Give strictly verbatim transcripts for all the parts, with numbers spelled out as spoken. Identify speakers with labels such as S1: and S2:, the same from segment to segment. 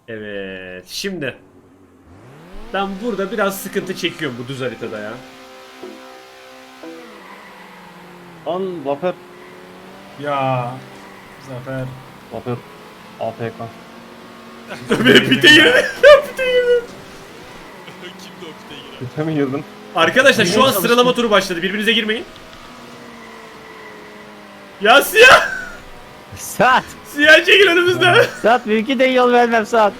S1: Evet. Şimdi. Ben burada biraz sıkıntı çekiyorum bu düz haritada ya.
S2: Lan Zafer.
S3: Ya Zafer.
S2: Zafer. A F K.
S1: Tabii pite girdi. Pite girdi.
S4: Kimdi o pite giren?
S2: Pite mi girdin?
S1: Arkadaşlar şu an sıralama turu başladı. Birbirinize girmeyin. Ya Siyah!
S5: Saat.
S1: Siyah çekil önümüzden.
S5: Saat mümkün değil yol vermem Saat.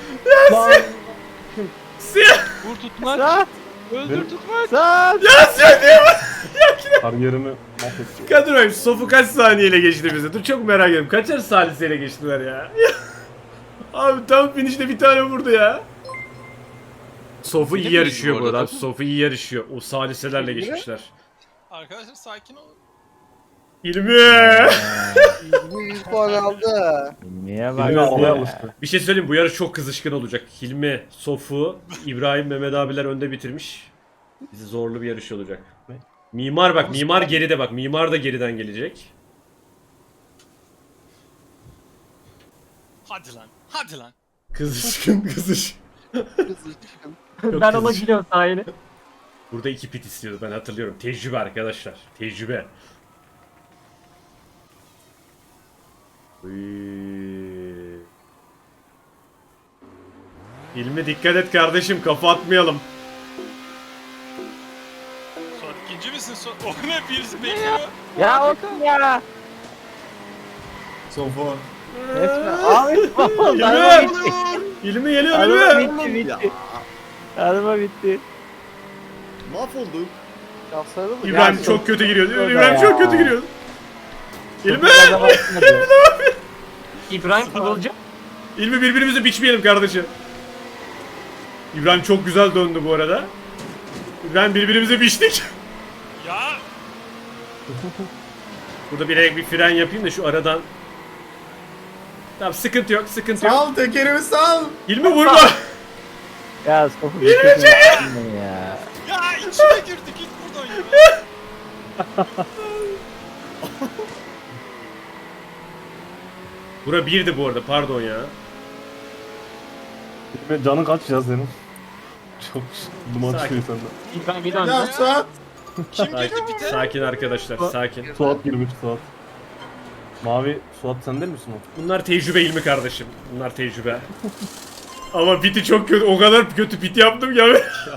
S1: Siyah!
S4: Vur tutmak.
S5: Saat.
S4: Öldür
S2: Benim-
S4: tutmak.
S5: Saat.
S1: Ya Siyah diye bak.
S2: Kariyerimi mahvettim.
S1: Kadroyum Sofu kaç saniyeyle geçti bize? Dur çok merak ediyorum. Kaçar saliseyle geçtiler ya? Abi tam finişte bir tane vurdu ya. Sofu iyi
S4: Benim
S1: yarışıyor
S4: bu
S1: bu
S4: arada,
S1: arada.
S4: tabii.
S1: Sofu iyi yarışıyor. O saliselerle
S3: Peki,
S1: geçmişler.
S4: Arkadaşlar sakin olun.
S1: İlmi!
S6: yüz puan aldı.
S5: Niye bak
S2: Hilmi almaya
S5: ya?
S2: alıştı.
S1: Bir şey söyleyeyim, bu yarış çok kızışkın olacak. Hilmi, Sofu, İbrahim, Mehmet abiler önde bitirmiş. Bizi zorlu bir yarış olacak. Mimar bak, mimar geride bak. Mimar da geriden gelecek.
S4: Hadi lan. Hadi lan.
S1: Kızışkın kızışkın.
S6: Kızışkın.
S1: Çok
S5: Ben ona
S1: kızışkın.
S5: gülüyorum sahili.
S1: Burada iki pit istiyordu, ben hatırlıyorum. Tecrübe arkadaşlar. Tecrübe. Uyyy. İlmi dikkat et kardeşim, kafa atmayalım.
S4: Sonra ikinci misin? Sonra... O ne birisi bekliyor.
S5: Ya olsun ya.
S3: Sofu.
S5: Resmen. Abi.
S1: İlmi!
S5: Araba bitti.
S1: İlmi geliyor
S5: Araba
S1: İlmi!
S5: bitti bitti. Araba bitti.
S6: Mahvolduk. Şahsları mı?
S1: İbrahim
S5: Ya,
S1: çok kötü giriyor.
S5: çok-
S1: İbrahim
S5: ya.
S1: çok kötü giriyor. İlmi!
S5: İbrahim Kıvılcım.
S1: İlmi birbirimizi biçmeyelim kardeşim. İbrahim çok güzel döndü bu arada. İbrahim birbirimizi biçtik.
S4: Ya.
S1: Burada bir bir fren yapayım da şu aradan. Tamam, sıkıntı yok, sıkıntı yok.
S3: Sal tekerimi sal.
S1: İlmi vurma.
S5: Ya Sofu bitti. ya.
S4: Ya içine girdi git buradan ya.
S1: Bura birdi bu arada, pardon ya.
S2: Hilmi canın kaç ya senin? Çok duman
S1: Sakin.
S2: çıkıyor senden.
S5: İbrahim bir
S3: Ya
S5: döndü.
S3: Suat.
S4: Kim girdi
S1: Sakin,
S4: pite?
S1: sakin arkadaşlar, sakin.
S2: Suat girmiş Suat. Mavi Suat sen değil misin o?
S1: Bunlar tecrübe İlmi kardeşim. Bunlar tecrübe. Ama piti çok kötü, o kadar kötü pit yaptım ya.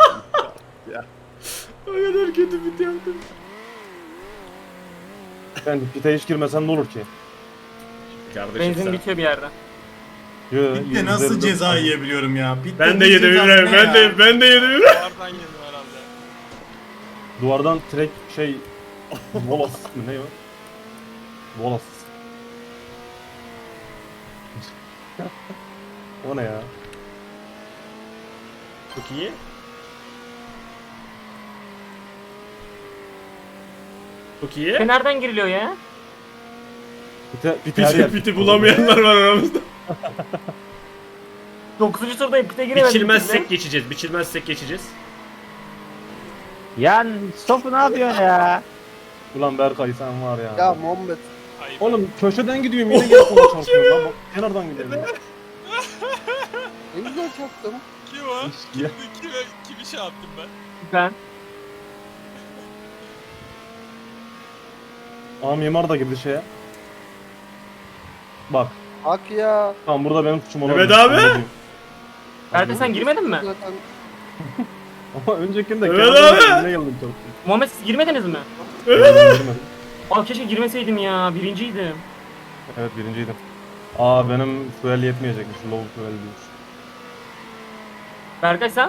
S1: O kadar kötü pit yaptım.
S2: Ben pite hiç girmesen ne olur ki?
S1: Kardeşim
S5: Benzin
S1: sen.
S5: bitiyor bir yerde.
S2: Yo,
S3: Bitti nasıl
S2: yüzlerinde-
S3: ceza yiyebiliyorum ya? Bitti
S1: Ben de
S3: ne
S1: yedim
S3: cezası
S1: İbrahim,
S3: ne
S1: ben
S3: ya?
S1: de, ben de yedim İbrahim.
S4: Duvardan yedim herhalde.
S2: Duvardan trek şey... Volas mı ne o? Volas. O ne ya?
S1: Çok iyi. Çok iyi.
S5: Nereden giriliyor ya?
S2: Pite, pite her
S1: Piti,
S2: yer.
S1: piti bulamayanlar var aramızda.
S5: dokuzuncu turdayım pite giremedim.
S1: Biçilmezsek geçeceğiz, biçilmezsek geçeceğiz.
S5: Ya Sofu ne yapıyorsun ya?
S2: Ulan Berkay sen var ya.
S6: Ya Muhammed.
S4: Ayıp.
S2: Oğlum köşeden gidiyorum yine gelip ona çarpıyorum lan. Bak kenardan gidiyorum ya.
S6: Ne güzel çaktım.
S4: Kim o?
S2: Ya.
S4: Kimi, kime, kimi şey yaptım ben?
S5: Ben.
S2: Aa mimar da girdi şeye. Bak.
S6: Hak ya.
S2: Tamam burada benim suçum olabilir.
S1: Mehmet abi!
S2: Onu diyeyim.
S5: Ferdi sen girmedin mi?
S6: Zaten
S2: Ama öncekinde
S1: Mehmet
S2: kenardan
S1: abi!
S2: girdim, yine geldim çarptım.
S5: Muhammed siz girmediniz mi?
S2: Evet. Girmedim.
S5: Aa keşke girmeseydim ya. Birinciydim.
S2: Evet birinciydim. Aa benim fuel yetmeyecekmiş. Low fuel diyor.
S5: Berkay sen?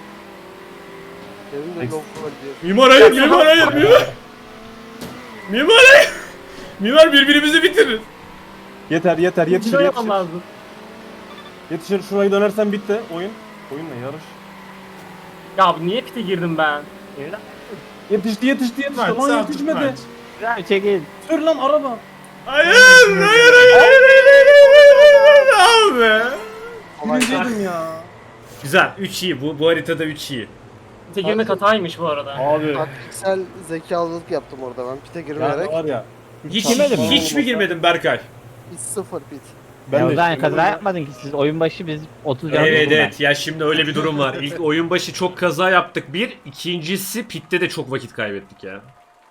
S6: benim de
S2: Ex-
S6: lokma diyor.
S1: Mimar hayır, mimar hayır, mimar. Mimar hayır. Mimar birbirimizi bitirir.
S2: Yeter yeter yetişir
S5: Kilo
S2: yetişir.
S5: yapmam lazım.
S2: Yetişir şurayı dönersen bitti oyun. Oyun ne yarış.
S5: Ya abi niye pite girdim ben?
S2: Yetişti yetişti yetişti
S3: Maç,
S2: lan
S3: sağ
S2: yetişmedi.
S3: maç.
S5: Ya çekil.
S2: Sür lan araba.
S1: Hayır, hayır, hayır, hayır, hayır, hayır, hayır, abi.
S6: Kolay gelsin.
S2: Birinciydim ya.
S1: Güzel, üç iyi. Bu, bu haritada üç iyi.
S5: Pite girmek hataymış bu arada.
S2: Abi.
S6: Taktiksel zekalılık yaptım orada ben. Pite
S2: Yani
S6: girmeyerek.
S2: var ya.
S1: Hiç,
S2: Girmedin mi?
S1: hiç mi girmedin Berkay?
S6: Hiç sıfır pit.
S2: Ben
S7: ya
S2: de
S7: o zaman
S2: işte-
S7: kaza yapmadın ki siz oyun başı biz otuz can
S1: Evet
S7: buldum ben.
S1: evet ya şimdi öyle bir durum var. İlk oyun başı çok kaza yaptık bir. İkincisi pitte de çok vakit kaybettik ya.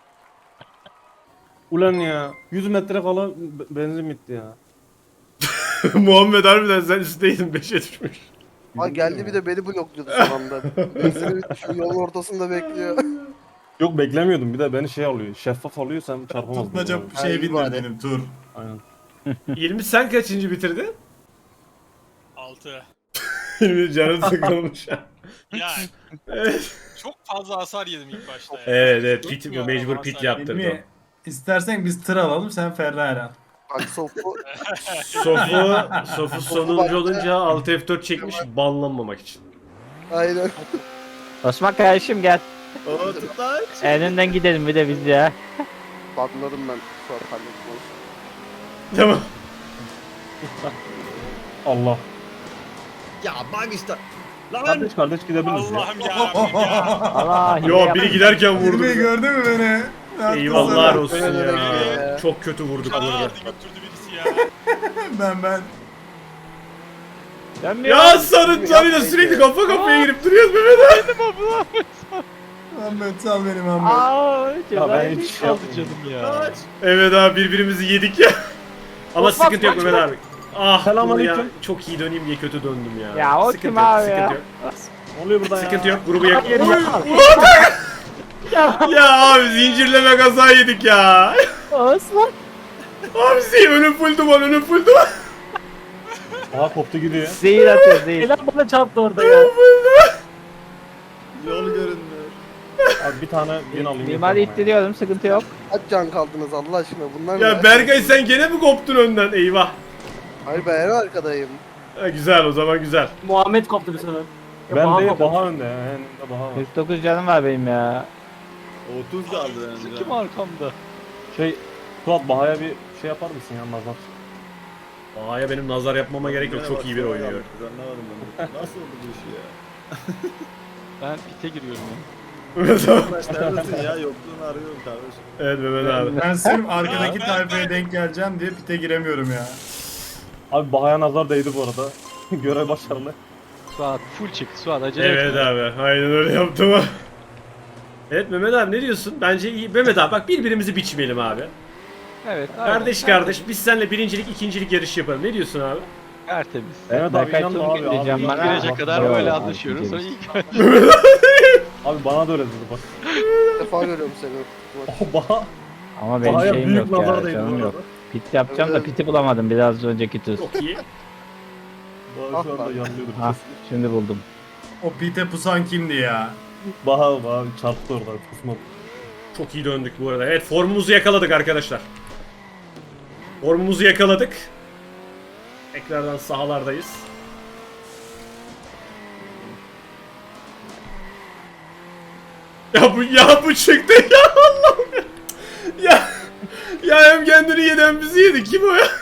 S2: Ulan ya yüz metre kala be- benzin bitti ya.
S1: Muhammed harbiden sen üstteydin beşe düşmüş.
S6: Ha geldi bir de beni blokluyordu son anda. Benzini şu yolun ortasında bekliyor.
S2: Yok beklemiyordum bir de beni şey alıyor. Şeffaf alıyor sen çarpamazsın.
S3: Tutmaca
S2: Yani.
S3: şey
S6: Ay,
S3: bindir
S6: bari.
S3: benim tur.
S2: Aynen.
S1: İlmi sen kaçıncı bitirdin?
S4: altı.
S1: İlmi canım sıkılmış.
S4: Yani
S1: Evet.
S4: çok fazla hasar yedim ilk başta ya.
S1: Evet evet pit
S4: Tutmuyor
S1: mecbur
S4: ama
S1: pit
S4: hasar
S1: yaptırdı.
S3: İlmi, istersen biz tır alalım sen Ferrari al.
S6: Bak sofu
S1: Sofu, Sofu sonuncu olunca alt F dört çekmiş banlanmamak için.
S6: aynen.
S7: Osman kardeşim gel. Elinden gidelim bir de biz ya.
S6: Banladım ben şu an halletmeyi.
S1: Tamam.
S2: Allah.
S8: Ya bak işte.
S2: Kardeş kardeş gidebiliriz ya.
S4: Allah'ım yarabbim ya.
S7: Allah hile
S1: Yo
S7: yapma.
S1: biri giderken vurdu.
S3: İlmi
S1: bizi.
S3: gördün mü beni? Ne yaptın
S1: Eyvallah
S3: sana?
S1: olsun
S6: Öyle
S1: ya.
S6: öyle.
S1: Çok kötü vurduk
S4: Kana
S1: burada.
S4: aldı götürdü birisi ya.
S3: Ben ben.
S7: Dönmüyor.
S1: Ya sarı sarıyla sürekli kafa kafaya girip duruyoruz Mehmet abi.
S3: Ahmet sal beni Ahmet.
S7: Aa,
S2: Ya
S7: cezayı
S2: ben hiç şey yapmadım.
S7: ya.
S1: Evet abi birbirimizi yedik ya. Ama
S5: Osman,
S1: sıkıntı yok
S5: kaç
S1: Mehmet abi. Ah
S2: Selamünaleyküm.
S1: bunu ya çok iyi döneyim diye kötü döndüm ya.
S7: Ya o
S1: Sıkıntı
S7: kim
S1: yok,
S7: abi
S1: sıkıntı
S7: ya?
S1: Yok.
S2: Ne oluyor burada ya?
S1: Sıkıntı yok grubu yak.
S7: Hayır, yapma.
S1: Ya abi zincirleme kaza yedik ya.
S7: Osman.
S1: Abi şey önüm full duman önüm full duman.
S2: Aha koptu gidiyor.
S7: Zehir atıyor zehir.
S5: Helal bana çarptı orada ya.
S8: Yol görünmüyor.
S2: Abi bir tane bin alayım.
S7: Mimari
S2: yeter bana ya.
S7: ittiriyorum sıkıntı yok.
S6: Kaç can kaldınız Allah aşkına bunlar
S1: Ya
S6: ne?
S1: Berkay sen gene mi koptun önden eyvah.
S6: Hayır ben en arkadayım.
S1: Ha, güzel o zaman güzel.
S5: Muhammed koptu bir sefer. Ya,
S2: Ben
S5: Baha
S2: de
S5: koptu.
S2: Baha önde ya. Önümde Baha var.
S7: kırk dokuz canım var benim ya.
S8: otuz kaldı bence.
S7: Kim arkamda?
S2: Şey Suat Baha'ya bir şey yapar mısın ya nazar?
S1: Aa ya benim nazar yapmama gerek yok çok iyi bir oynuyor.
S8: Anlamadım ben. Nasıl oldu bu iş ya?
S7: Ben pite giriyorum ya.
S1: Mehmet abi.
S8: Arkadaş neredesin ya? Yokluğunu arıyorum kardeşim.
S1: Evet Mehmet abi.
S3: Ben sırf arkadaki tayfaya denk geleceğim diye pite giremiyorum ya.
S2: Abi Baha'ya nazar değdi bu arada. Görev başarılı.
S7: Suat full çık Suat acele
S1: Evet abi aynen öyle yaptım ha. Evet Mehmet abi ne diyorsun? Bence iyi. Mehmet abi bak birbirimizi biçmeyelim abi.
S7: Evet.
S1: Kardeş kardeş biz seninle birincilik ikincilik yarışı yapalım. Ne diyorsun abi?
S7: Tertemiz.
S2: Evet abi inanma abi.
S7: Gideceğim
S2: abi.
S7: bana.
S2: Girecek kadar
S7: böyle
S2: anlaşıyoruz. Abi bana da öyle dedi bak.
S6: İlk defa görüyorum seni.
S2: Oh, Baha.
S7: Ama benim
S2: Baha'ya
S7: şeyim
S2: büyük
S7: yok
S2: nazar
S7: ya
S2: değdi bu
S7: canım
S2: arada.
S7: yok. Pit yapacağım da
S6: Evet.
S7: piti bulamadım biraz önceki tur.
S1: Çok iyi.
S2: Baha şu anda
S6: Ah lan.
S2: yanlıyordur.
S7: Ha şimdi buldum.
S3: O pite pusan kimdi ya?
S2: Baha Baha çarptı orada kusmadı.
S1: Çok iyi döndük bu arada. Evet formumuzu yakaladık arkadaşlar. Formumuzu yakaladık. Tekrardan sahalardayız. Ya bu ya bu çıktı ya Allah'ım ya. Ya ya hem kendini yedi hem bizi yedi. Kim o ya?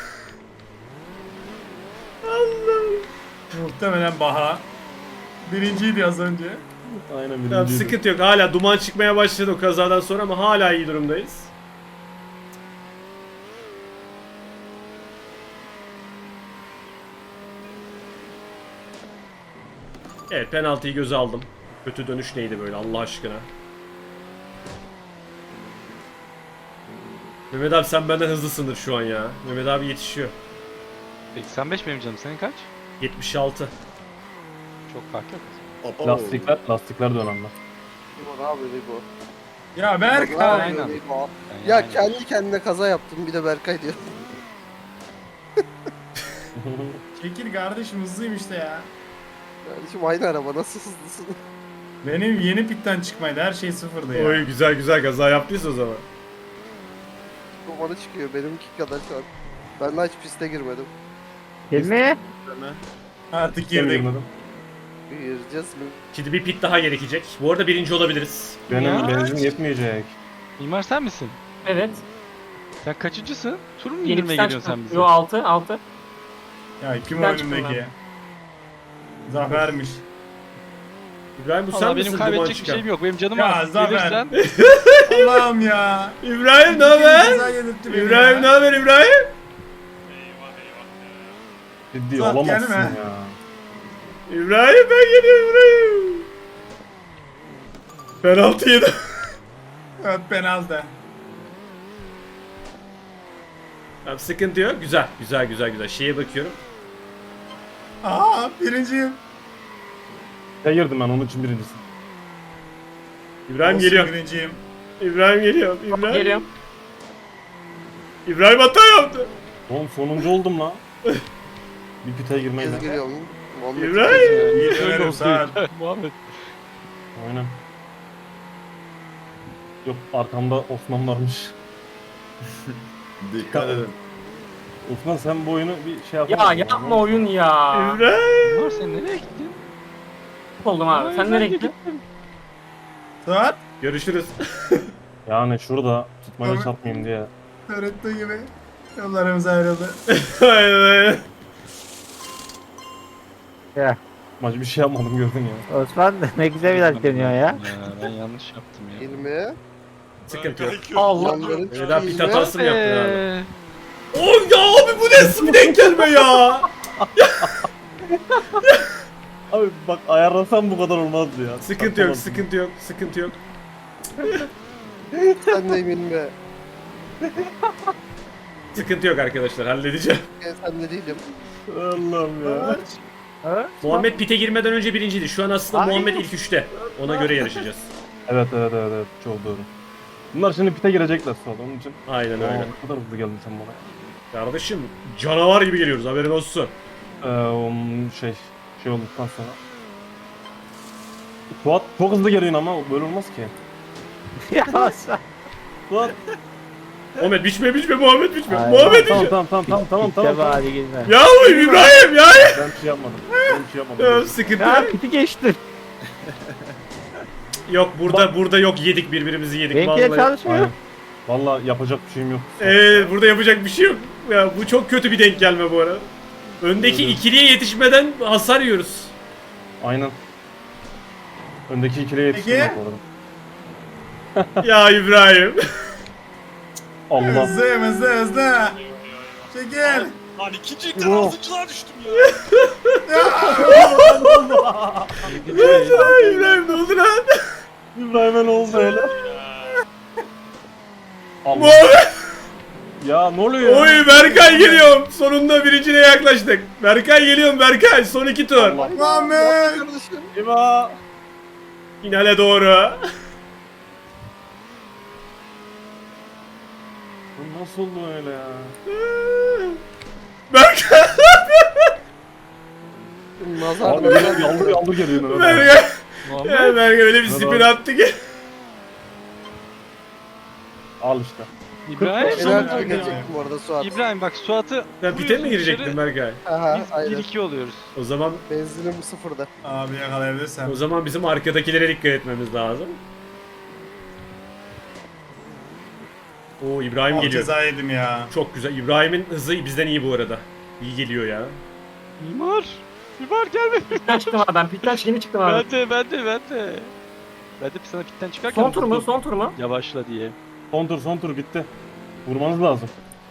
S1: Allah'ım.
S3: Muhtemelen Baha. Birinciydi az önce.
S2: Aynen
S1: Tamam
S2: birinciydi.
S1: sıkıntı yok. Hala duman çıkmaya başladı o kazadan sonra ama hala iyi durumdayız. Evet penaltıyı göze aldım. Kötü dönüş neydi böyle Allah aşkına. Mehmet abi sen benden hızlısındır şu an ya. Mehmet abi yetişiyor.
S9: seksen beş benim canım. Senin kaç?
S1: yetmiş altı.
S9: Çok fark yok.
S8: Abo.
S2: Lastikler, lastikler de önemli.
S6: Limon abi Libo.
S3: Ya Berkay.
S9: Aynen.
S6: Libo.
S9: Yani
S6: Ya
S9: aynen.
S6: kendi kendine kaza yaptım bir de Berkay diyor.
S3: Çekil kardeşim hızlıyım işte ya.
S6: Kardeşim aynı araba nasıl hızlısın?
S3: Benim yeni pitten çıkmaydı her şey sıfırdı ya.
S1: Oy güzel güzel kaza yaptıysa o zaman.
S6: Dumanı çıkıyor benimki kadar şu an. Ben daha hiç piste girmedim.
S7: Hilmi?
S3: Artık
S2: Girdik.
S3: girdik.
S6: Gireceğiz mi?
S1: Şimdi bir pit daha gerekecek. Bu arada birinci olabiliriz.
S2: Benim
S5: Ya.
S2: benzin yetmeyecek.
S9: Mimar sen misin?
S5: Evet.
S9: Sen kaçıncısın? Tur mu
S5: Yeni
S9: indirmeye
S5: pistten
S9: geliyorsun sen
S5: çıktım.
S9: bize?
S5: Yo altı altı.
S3: Ya kim
S5: Ben
S3: o
S5: çıktım
S3: önümdeki? Zafer'miş.
S1: İbrahim bu sen
S9: Valla
S1: misin
S9: benim
S1: duman
S9: kaybedecek bir
S1: çıkan?
S9: şeyim yok. Benim canım
S3: Ya
S9: az.
S3: Zafer.
S9: Gelirsen
S3: Allah'ım ya.
S1: İbrahim ne haber?
S3: Güzel yedirtti beni
S1: İbrahim
S3: ya.
S1: ne haber İbrahim?
S4: Eyvah eyvah ya.
S2: Ciddi
S3: Suat,
S2: olamazsın
S3: gelme.
S2: ya.
S1: İbrahim ben geliyorum İbrahim. Penaltı yedim.
S3: Evet penaltı.
S1: Tamam, sıkıntı yok. Güzel güzel güzel güzel. Şeye bakıyorum.
S3: Aa birinciyim.
S2: Ya girdim ben onun için birincisi.
S1: İbrahim
S3: Olsun,
S1: geliyor.
S3: Birinciyim.
S1: İbrahim geliyor. İbrahim.
S5: Geliyorum.
S1: İbrahim hata yaptı.
S2: Oğlum sonuncu oldum la. Bir pitaya girmeyle.
S6: Kez giriyorum. Muhammed
S1: İbrahim.
S3: Geliyorum Suat.
S9: Muhammed.
S2: Aynen. Yok arkamda Osman varmış.
S8: Dikkat edin.
S2: Osman sen bu oyunu bir şey yapar
S5: Ya
S2: mısın?
S5: yapma oyun ya.
S1: İbrahim.
S9: Mimar sen nereye gittin?
S5: Oldum abi. Sen nereye gittin?
S3: Suat.
S1: Görüşürüz.
S2: Yani şurada tutmaca
S3: Abi.
S2: çarpmayayım diye.
S3: Öğrettiği gibi. Yollarımız ayrıldı.
S1: Aynen aynen.
S7: Ya
S2: Maç bir şey yapmadım gördün ya.
S7: Osman ne güzel bir dönüyor ya.
S9: Ya ben yanlış yaptım ya.
S6: Hilmi.
S1: Sıkıntı yok.
S5: Allah.
S6: Yanların
S1: Öyle daha pit
S6: Hilmi.
S1: hatası mı yaptın abi?
S9: Eee,
S1: Oh ya abi bu nasıl bir denk gelme ya?
S2: Abi bak ayarlasam bu kadar olmazdı ya.
S1: Sıkıntı yok,
S2: Yapamadım.
S1: sıkıntı yok, sıkıntı yok.
S6: Sen de Hilmi.
S1: Sıkıntı yok arkadaşlar, halledeceğim.
S6: Ben sen de değilim.
S2: Allah'ım ya.
S7: Ha?
S1: Muhammed pite girmeden önce birinciydi. Şu an aslında
S7: Ay.
S1: Muhammed ilk üçte. Ona göre yarışacağız.
S2: Evet evet evet evet çok doğru. Bunlar şimdi pite girecekler sonra onun için.
S1: Aynen
S2: Aa,
S1: öyle.
S2: ne kadar hızlı geldin sen bana.
S1: Kardeşim canavar gibi geliyoruz, haberin olsun.
S2: Ee, onun şey şey olduktan sonra. Suat çok hızlı geliyorsun ama böyle olmaz ki.
S7: Ya Osman.
S2: Suat.
S1: Muhammed biçme biçme Muhammed biçme.
S7: Ay.
S1: Muhammed
S2: Tamam
S1: biçme.
S2: tamam tamam tamam tamam tamam.
S7: Tamam
S2: tamam.
S7: hadi girme.
S1: Ya bu İbrahim ya.
S2: Ben bir şey yapmadım. Ben bir şey
S1: Ya,
S2: yapmadım.
S1: sıkıntı
S7: Ya
S1: yok.
S7: piti geçtin.
S1: Yok burada burada yok, yedik birbirimizi yedik
S7: Benimki de
S1: vallahi.
S7: çalışmıyor.
S2: Aynen. Vallahi yapacak bir şeyim yok.
S1: Ee, burada yapacak bir şey yok. Ya bu çok kötü bir denk gelme bu arada. Öndeki
S2: Evet.
S1: ikiliye yetişmeden hasar yiyoruz.
S2: Aynen. Öndeki ikiliye yetiştim
S3: Peki.
S2: bak bu arada.
S1: Ya İbrahim.
S2: Allah.
S3: Hızlı hızlı hızlı. Çekil.
S4: Lan ikincilikten
S2: Yok.
S4: altıncılığa düştüm ya.
S1: Ya İbrahim ne oldu lan?
S2: İbrahim'e ne oldu öyle? Allah.
S1: Muhammed.
S2: Ya ne oluyor ya?
S1: Oy Berkay geliyorum. Sonunda birinciliğe yaklaştık. Berkay geliyorum Berkay. Son iki tur.
S2: Allah.
S3: Muhammed.
S6: Kardeşim.
S2: İba.
S1: Finale doğru.
S2: Bu nasıl oldu öyle ya?
S1: Berkay.
S6: Nazar
S2: Abi yaldır yaldır, yaldır geliyor Mehmet abi.
S1: Berkay.
S9: Muhammed.
S1: Ya Berkay öyle bir
S2: Evet
S1: spin
S2: abi.
S1: attı ki.
S2: Al işte.
S9: İbrahim.
S2: kırk beş
S6: Enerji
S2: Tamam.
S6: gelecektim bu arada Suat.
S9: İbrahim bak Suat'ı
S1: Ben pite mi girecektim Berkay?
S6: Aha
S9: biz
S6: aynen.
S9: bir iki oluyoruz.
S1: O zaman
S6: Benzinim sıfırda.
S3: Abi yakalayabilirsem.
S1: o zaman bizim arkadakilere dikkat etmemiz lazım. Oo İbrahim
S3: Oh,
S1: geliyor.
S3: ceza yedim ya.
S1: Çok güzel. İbrahim'in hızı bizden iyi bu arada. İyi geliyor ya.
S9: Mimar. Mimar gelme.
S5: Pitten çıktım abi. Ben pitten yeni çıktım abi.
S9: Ben de ben de ben de. Ben de sana pitten çıkarken
S5: Son tur mu?
S9: vurdum.
S5: Son tur mu?
S9: Yavaşla diye.
S2: Son tur son tur bitti. Vurmanız lazım.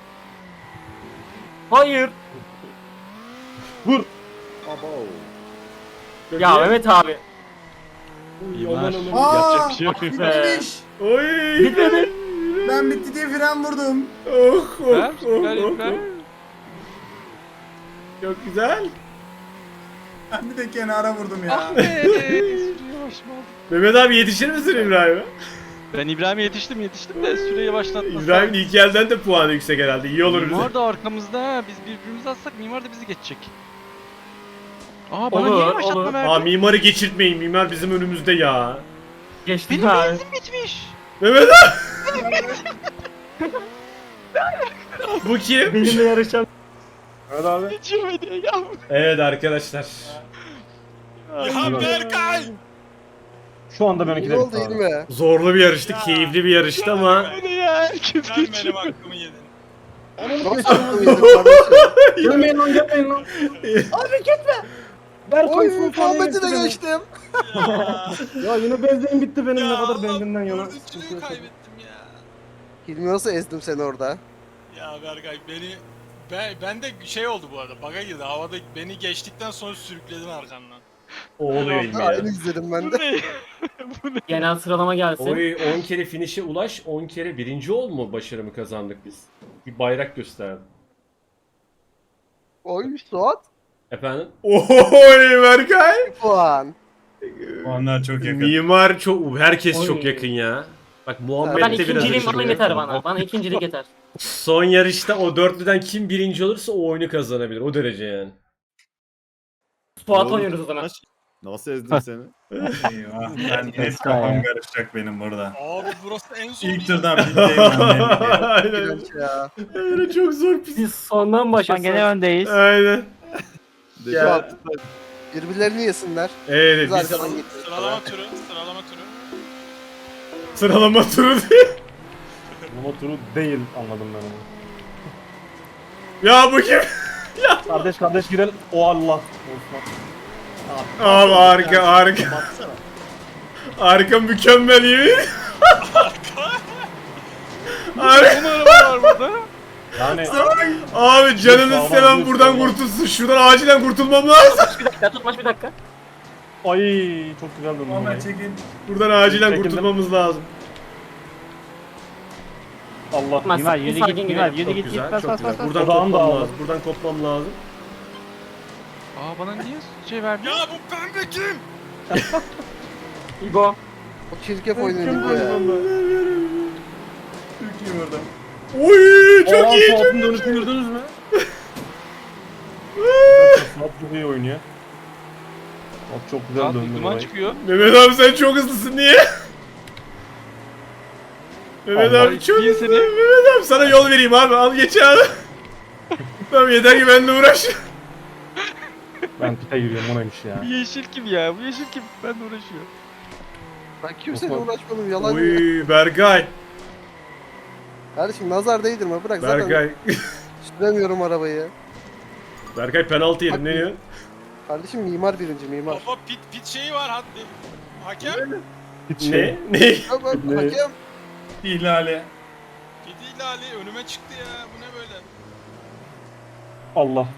S5: Hayır.
S2: Vur.
S8: Abo.
S5: Ya Mehmet abi.
S9: Mimar.
S3: Aa,
S9: Yapacak bir şey yok.
S3: bitmiş.
S1: Oy.
S5: Bitmedi.
S3: Ben bitti diye fren vurdum.
S1: Oh oh
S9: Süper,
S1: oh,
S9: süper,
S1: oh,
S9: süper.
S1: oh. Çok güzel.
S3: Ben bir de kenara vurdum ya.
S9: Ah be. Süreyi yavaş mı aldın?
S1: Mehmet abi yetişir misin İbrahim'e?
S9: Ben İbrahim'e yetiştim yetiştim de süreyi yavaşlatmasam.
S1: İbrahim'in ilk elden de puanı yüksek herhalde. İyi olur bize.
S9: Mimar da arkamızda ha. Biz birbirimizi atsak Mimar da bizi geçecek. Aa bana
S5: Olur,
S9: niye yavaşlatma
S5: olur.
S9: verdi?
S1: Aa mimarı geçirtmeyin. Mimar bizim önümüzde ya.
S5: Geçtim
S9: Benim
S5: abi.
S9: benzin bitmiş.
S1: Mehmet abi. Bu kim?
S5: Benimle yarışan.
S2: Evet abi.
S9: Geçirmedi ya.
S1: Evet arkadaşlar.
S4: Ya Berkay.
S2: Şu anda benimki
S6: Ne
S2: de
S6: oldu
S2: bitti abi.
S6: Hilmi?
S1: Zorlu bir yarıştı, keyifli bir yarıştı ama
S9: Bu ne ya? Herkes
S4: Sen
S9: geçiyor.
S4: benim hakkımı yedin.
S6: Nasıl aklım yedim kardeşim?
S2: Gelmeyin lan gelmeyin lan.
S6: Oy Muhammed'i de geçtim.
S4: Ya.
S2: Ya yine benzinim bitti benim
S4: Ya
S2: ne kadar
S4: Allah,
S2: benzinden yana.
S4: dördüncülüğü kaybettim ya.
S6: Hilmi nasıl ezdim seni orada?
S4: Ya Berkay beni Ben, ben de şey oldu bu arada. Baga girdi. Havada beni geçtikten sonra sürükledin arkandan.
S1: O oluyor ilmi ya.
S6: Aynı izledim ben
S9: Bu
S6: de.
S9: ne?
S5: Genel sıralama gelsin.
S1: Oy on kere finish'e ulaş, on kere birinci ol mu başarımı kazandık biz? Bir bayrak gösterdim.
S6: Oy Suat.
S1: Efendim? Oy Berkay!
S6: Puan.
S3: Onlar çok yakın.
S1: Mimar çok, herkes
S5: Oy.
S1: çok yakın ya. Bak
S5: Ben
S1: Muhammed de biraz
S5: ikinciliğim bana
S1: ışınlı.
S5: yeter bana. Bana ikincilik yeter.
S1: Son yarışta o dörtlüden kim birinci olursa o oyunu kazanabilir. O derece yani.
S5: Suat
S8: Doğru.
S5: oynuyoruz o zaman.
S8: Nasıl ezdim seni?
S3: Eyvah. Ben net kafam karışacak benim burada.
S4: Abi burası en son.
S3: İlk turdan bitteyim ben.
S1: Aynen.
S6: İğrenç ya.
S1: Aynen çok zor pis.
S5: Biz sondan
S7: Şu an
S5: başlasın.
S7: gene öndeyiz.
S1: Aynen.
S6: Suat. Birbirlerini yesinler.
S1: Evet
S6: Biz
S1: biz
S6: arkadan getiriyoruz.
S4: Sıralama turu. Sıralama turu.
S1: sıralama turu değil.
S2: Ama turu değil anladım ben onu.
S1: Ya bu kim?
S2: Kardeş kardeş girelim. O Allah. Osman.
S1: Abi harika harika.
S8: Baksana.
S1: Harika mükemmel yemin. Harika.
S9: Ne araba var burada?
S2: Yani
S1: Abi canınız
S2: Sağlam
S1: seven
S2: bir
S1: buradan
S2: sağlam.
S1: kurtulsun. Şuradan acilen kurtulmam lazım.
S5: Bir dakika tutmaç bir dakika.
S2: ay çok güzel döndüm.
S3: Muhammed
S2: orayı.
S3: çekin.
S1: Buradan acilen
S2: Çekildim.
S1: kurtulmamız lazım.
S2: Allah.
S5: Tutmaz.
S7: Mimar yürü
S5: Sakin
S7: git
S5: girelim.
S7: Mimar yürü
S1: Çok
S7: git git
S1: güzel,
S7: bas
S1: çok
S7: bas
S1: güzel.
S7: bas.
S1: Buradan
S2: Odağım
S1: kopmam
S2: dağıldı.
S1: lazım. Buradan kopmam lazım.
S9: Aa bana niye şey verdi?
S4: Ya bu pembe kim?
S5: İbo.
S6: O çirkef oynuyor ya.
S3: Çok iyi burada.
S1: Oy çok
S2: Aa,
S1: iyi.
S2: Suat'ın dönüşünü gördünüz mü? Suat çok iyi oynuyor. Suat çok güzel
S9: Saat
S2: döndü
S9: duman
S2: orayı.
S9: çıkıyor.
S1: Mehmet abi sen çok hızlısın niye? Mehmet
S2: Allah
S1: abi çok
S9: iyi
S1: hızlı.
S9: seni.
S1: Mehmet abi sana yol vereyim abi. Al geç abi. Tamam yeter ki benimle uğraş.
S2: Ben pite giriyorum o neymiş ya.
S9: Bu yeşil kim ya? Bu yeşil kim? Ben de uğraşıyor.
S6: Ben kimseyle
S2: Osman.
S6: uğraşmadım yalan ya.
S1: Oy Berkay.
S6: Kardeşim nazar değdirme bırak zaten
S1: Berkay.
S6: süremiyorum arabayı.
S1: Berkay penaltı yedim ne diyor?
S6: Kardeşim mimar birinci mimar.
S4: Baba pit pit şeyi var hadi. Hakem.
S2: Hiç
S1: Ne?
S2: şey.
S1: Ne?
S6: Ya bak
S2: Ne?
S6: hakem.
S3: İhlali.
S4: Pit ihlali önüme çıktı ya. Bu ne böyle?
S2: Allah.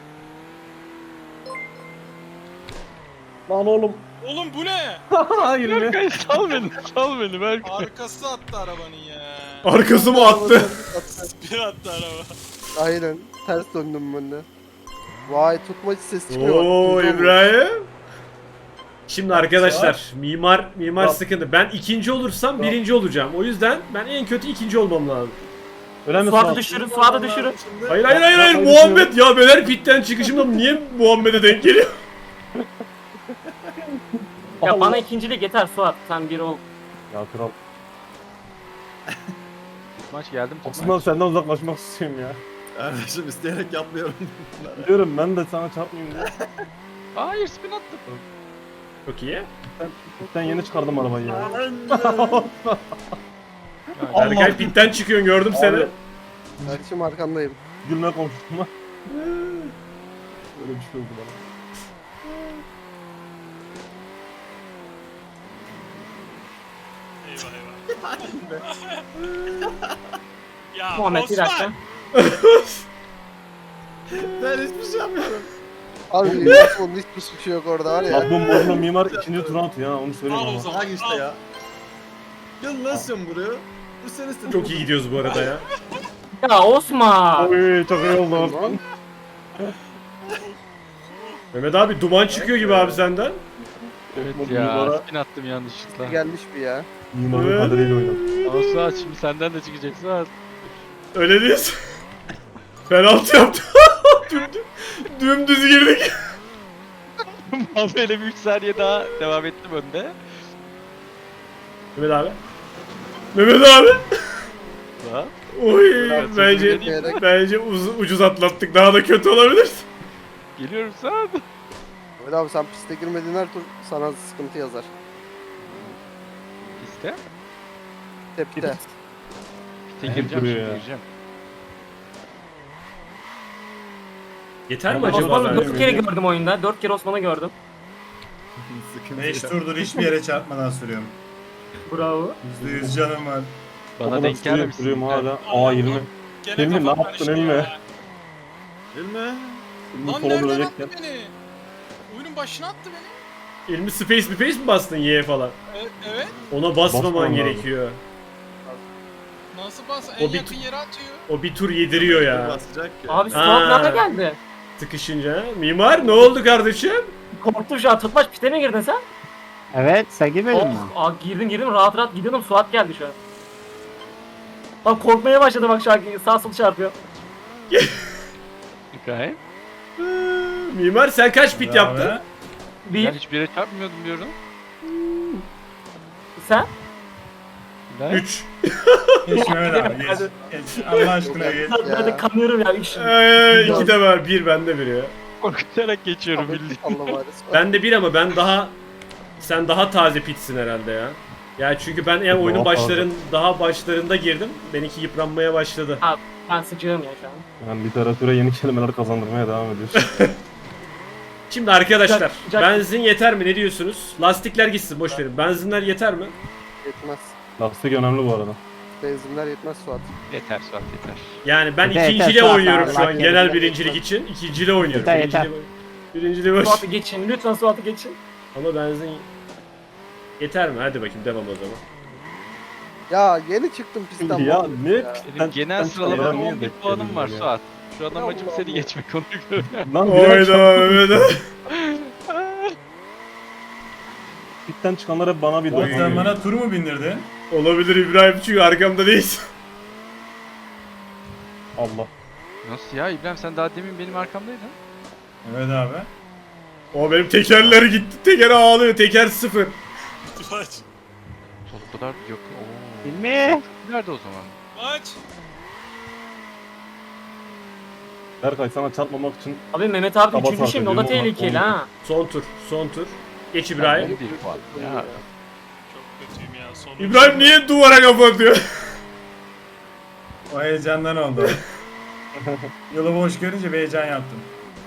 S2: Lan oğlum.
S4: Oğlum bu ne?
S2: Hayır be.
S9: Berkay sal beni. Sal beni Berkay.
S4: Arkası attı arabanın ya.
S1: Arkası mı attı?
S4: Bir attı araba.
S6: Aynen. Ters döndüm ben de. Vay tutmacı ses çıkıyor. bak,
S1: Oo
S6: duyuyor musun?
S1: İbrahim. Şimdi arkadaşlar mimar mimar
S2: Tamam.
S1: sıkıntı. Ben ikinci olursam
S2: Tamam.
S1: birinci olacağım. O yüzden ben en kötü ikinci olmam lazım.
S2: Öyle mi
S5: Suat'ı
S2: Suat?
S5: düşürün. Suat'ı düşürün.
S1: Hayır hayır hayır, hayır.
S2: Hayır,
S1: Muhammed ya ben her pitten çıkışımda niye Muhammed'e denk geliyor?
S5: Ya
S2: Allah.
S5: bana ikincilik yeter Suat. Sen bir ol.
S2: Ya kral.
S9: Maç geldim.
S2: Aslında senden uzaklaşmak istiyorum ya.
S8: Kardeşim isteyerek yapmıyorum.
S2: Biliyorum ben de sana çarpmayayım diye.
S9: Hayır spin attım.
S1: Çok iyi.
S2: Ben, ben yeni çıkardım arabayı ya.
S9: Yani,
S1: Berkay pitten çıkıyorsun gördüm seni.
S2: Abi.
S6: Kardeşim arkandayım.
S2: Gülme komşuma. Öyle bir şey oldu bana.
S4: Eyvah eyvah. Ya
S5: Muhammed bir dakika.
S4: Osman.
S8: Ben hiçbir şey yapmıyorum.
S6: Abi Osman'ın hiçbir suçu yok orada var ya.
S2: Bak bu morlu mimar ikinci tur atıyor ha onu söyleyeyim
S4: Al o
S2: ama.
S4: zaman.
S8: Bak işte ya. Gel lan sen buraya. Bu sen istedin.
S1: Çok iyi gidiyoruz bu arada ya.
S5: Ya Osman.
S2: Oy çok iyi oldu Osman.
S1: Mehmet abi duman çıkıyor gibi abi senden.
S9: evet
S2: Bu
S9: ya
S2: mimara-
S9: spin attım yanlışlıkla.
S6: Gelmiş bir ya.
S2: Mimarın kaderiyle oynadı.
S9: Ama Suat şimdi senden de çıkacak Suat.
S1: Öyle değilsin. Penaltı yaptı. Dümdüz, dümdüz girdik.
S9: Ama böyle bir üç saniye daha devam ettim önde.
S1: Mehmet abi. Mehmet abi.
S9: Suat.
S1: Oy
S9: Evet,
S1: bence
S6: sözünü
S1: bence uz- ucuz atlattık. Daha da kötü olabilir.
S9: Geliyorum Suat.
S6: Öyle abi sen piste girmediğin her tur sana sıkıntı yazar.
S9: Piste.
S6: Tepte.
S9: Piste
S2: Hep
S9: gireceğim
S2: duruyor
S9: şimdi
S2: ya.
S9: gireceğim.
S1: Yeter mi
S2: Tamam,
S1: acaba?
S5: Osman'ı
S1: ben?
S5: dört kere gördüm oyunda. Dört kere Osman'ı gördüm.
S8: Sıkıntı
S3: beş
S8: yok.
S3: turdur hiçbir yere çarpmadan sürüyorum.
S5: Bravo.
S3: yüzde yüz canım var.
S9: Bana
S2: Bana
S9: denk gelmemişsin.
S2: Duruyorum hala. Aa yirmi.
S4: Gene
S2: Hilmi, ne
S4: kafam
S2: yaptın
S4: karıştı
S2: Hilmi?
S4: ya.
S8: Bilme.
S2: Şimdi
S4: Lan
S2: sola
S4: nereden
S2: dönecekken.
S4: attı beni? Oyunun başına attı beni.
S1: İlmi space bir face mi bastın Y'ye falan?
S4: E, evet.
S1: Ona basmaman
S2: Basmam
S1: gerekiyor.
S4: Nasıl bas?
S1: O
S4: En
S1: bir-
S4: yakın yere atıyor.
S1: O bir tur yediriyor ya.
S8: Basacak ya.
S5: Abi Suat
S1: Ha.
S5: nerede geldi?
S1: Sıkışınca. Mimar ne oldu kardeşim?
S5: Korktum şu an. Tutmaç pite mi girdin sen?
S7: Evet sen girmedin mi?
S5: Oh, aa, girdim girdim rahat rahat gidiyordum. Suat geldi şu an. Bak korkmaya başladı bak şu an sağ sol çarpıyor.
S9: İbrahim.
S1: Mimar sen kaç pit yaptın?
S3: Abi.
S9: Ben
S5: Bir
S9: hiçbir yere çarpmıyordum diyorum.
S5: sen.
S9: İbrahim.
S1: üç.
S3: Geç Mehmet abi geç. Geç. Allah aşkına geç.
S5: Ben, ben de kanıyorum ya. Üç.
S1: Ee, iki de var. Bir bende bir ya.
S9: Korkutarak geçiyorum
S6: Ahmet
S9: bildiğin.
S6: Allah var.
S1: Ben de bir ama ben daha... Sen daha taze pitsin herhalde ya. Ya çünkü ben yani oyunun
S2: Daha fazla.
S1: başların daha başlarında girdim. Benimki yıpranmaya başladı.
S5: Ben sıcağım ya şu an.
S2: Yani literatüre yeni kelimeler kazandırmaya devam ediyoruz.
S1: Şimdi arkadaşlar
S5: Sıcak- sıcak-
S1: benzin yeter mi ne diyorsunuz? Lastikler gitsin boş verin. Benzinler yeter mi?
S6: Yetmez.
S2: Lastik önemli bu arada.
S6: Benzinler yetmez Suat.
S9: Yeter Suat yeter.
S1: Yani ben
S7: Yeter,
S1: ikinciyle
S7: yeter,
S1: oynuyorum şu
S7: Allah
S1: an
S7: kerim.
S1: genel birincilik için. İkinciyle oynuyorum.
S7: Yeter, yeter.
S1: Birinciliği, birinciliği boş.
S5: Suat'ı geçin. Lütfen Suat'ı geçin.
S1: Ama benzin yeter mi? Hadi bakayım devam o zaman.
S6: Ya yeni çıktım pistten.
S2: Ya
S6: vallahi
S2: ne?
S6: ya.
S9: Benim genel sıralamada
S2: niye
S9: on bir
S2: bekledin
S9: puanım var
S2: ya?
S9: Suat. Şu adam
S6: Ya
S9: amacım
S6: Allah
S9: seni
S6: Allah.
S9: geçmek onu göre.
S2: Lan bir
S1: Hayda Mehmet.
S2: pitten çıkanlar hep bana bir
S3: Oğlum sen
S2: dokunuyor.
S3: bana tur mu bindirdin?
S1: Olabilir İbrahim çünkü arkamda değilsin.
S2: Allah.
S9: Nasıl ya İbrahim sen daha demin benim arkamdaydın.
S3: Evet abi.
S1: O benim tekerler gitti. Teker ağlıyor. Teker sıfır.
S4: Aç.
S9: O kadar yok. Oo.
S7: Hilmi.
S9: Nerede o zaman?
S4: Aç.
S2: Berkay sana çarpmamak için
S5: Abi Mehmet abi
S2: Sabah
S5: üçüncü şimdi o da
S2: sarkıyorum,
S5: tehlikeli
S2: onu-
S5: ha.
S1: Son tur. Son tur. Geç
S9: on
S1: İbrahim.
S9: bir puan. Ya.
S4: Çok kötüyüm ya. Son
S1: İbrahim niye duvara kafa atıyor?
S3: O heyecandan oldu. Yolu boş görünce bir heyecan yaptım.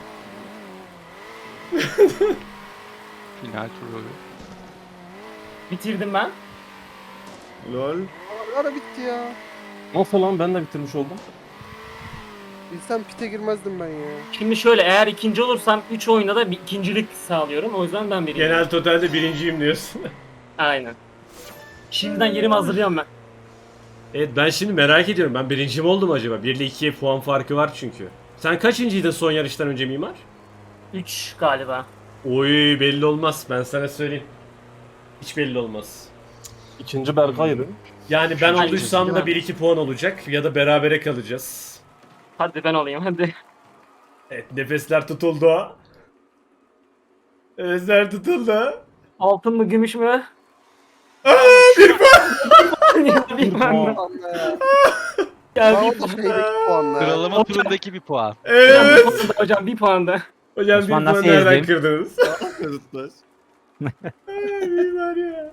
S9: Final turu.
S5: Bitirdim ben.
S1: Lol.
S6: Ara bitti ya.
S2: nasıl lan ben de bitirmiş oldum.
S6: Bilsem pite girmezdim ben ya.
S5: Şimdi şöyle eğer ikinci olursam üç oyunda da bir ikincilik sağlıyorum. O yüzden ben biriyim.
S1: Genel totalde birinciyim diyorsun.
S5: Aynen. Şimdiden yerimi hazırlıyorum ben.
S1: Evet ben şimdi merak ediyorum. Ben birinci mi oldum acaba? bir ile ikiye puan farkı var çünkü. Sen kaçıncıydın son yarıştan önce Mimar?
S5: üç galiba.
S1: Oy belli olmaz. Ben sana söyleyeyim. Hiç belli olmaz.
S2: İkinci Berkay'dı.
S1: Yani ben
S5: Üçüncü
S1: olduysam
S5: değil
S1: da
S5: mi?
S1: bir iki puan olacak ya da berabere kalacağız.
S5: Hadi ben olayım hadi.
S1: Evet nefesler tutuldu. Nefesler tutuldu.
S5: Altın mı gümüş mü?
S1: Aa, bir puan.
S5: Ya bir puan.
S6: Anla ya.
S5: Ya
S6: Daha
S5: bir
S6: o da
S5: puan.
S6: şeydeki puanla.
S9: Sıralama turundaki bir puan.
S1: Evet.
S5: Hocam bir puan da, hocam bir puan da.
S1: Hocam bir
S7: Osman
S1: puan
S7: nasıl
S1: nereden
S7: ezdin?
S1: kırdınız?
S8: Kırıtlar.
S1: Ay, Mimar ya.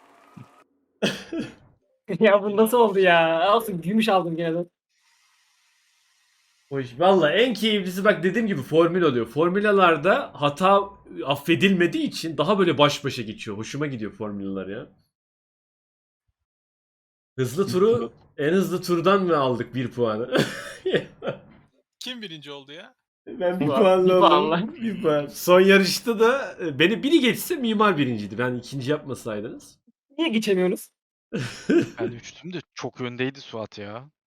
S5: Ya bu nasıl oldu ya? Olsun gümüş aldım gene de.
S1: Hoş. Valla en keyiflisi bak dediğim gibi formül oluyor. Formülalarda hata affedilmediği için daha böyle baş başa geçiyor. Hoşuma gidiyor formüller ya. Hızlı turu en hızlı turdan mı aldık bir puanı?
S4: Kim birinci oldu ya?
S1: Ben bir
S5: Bir
S1: puanla oldum.
S5: puanla.
S1: Bir puan. Son yarışta da e, beni biri geçse Mimar birinciydi. Ben ikinci yapmasaydınız.
S5: Niye geçemiyorsunuz?
S9: Ben üçtüm de çok öndeydi Suat ya.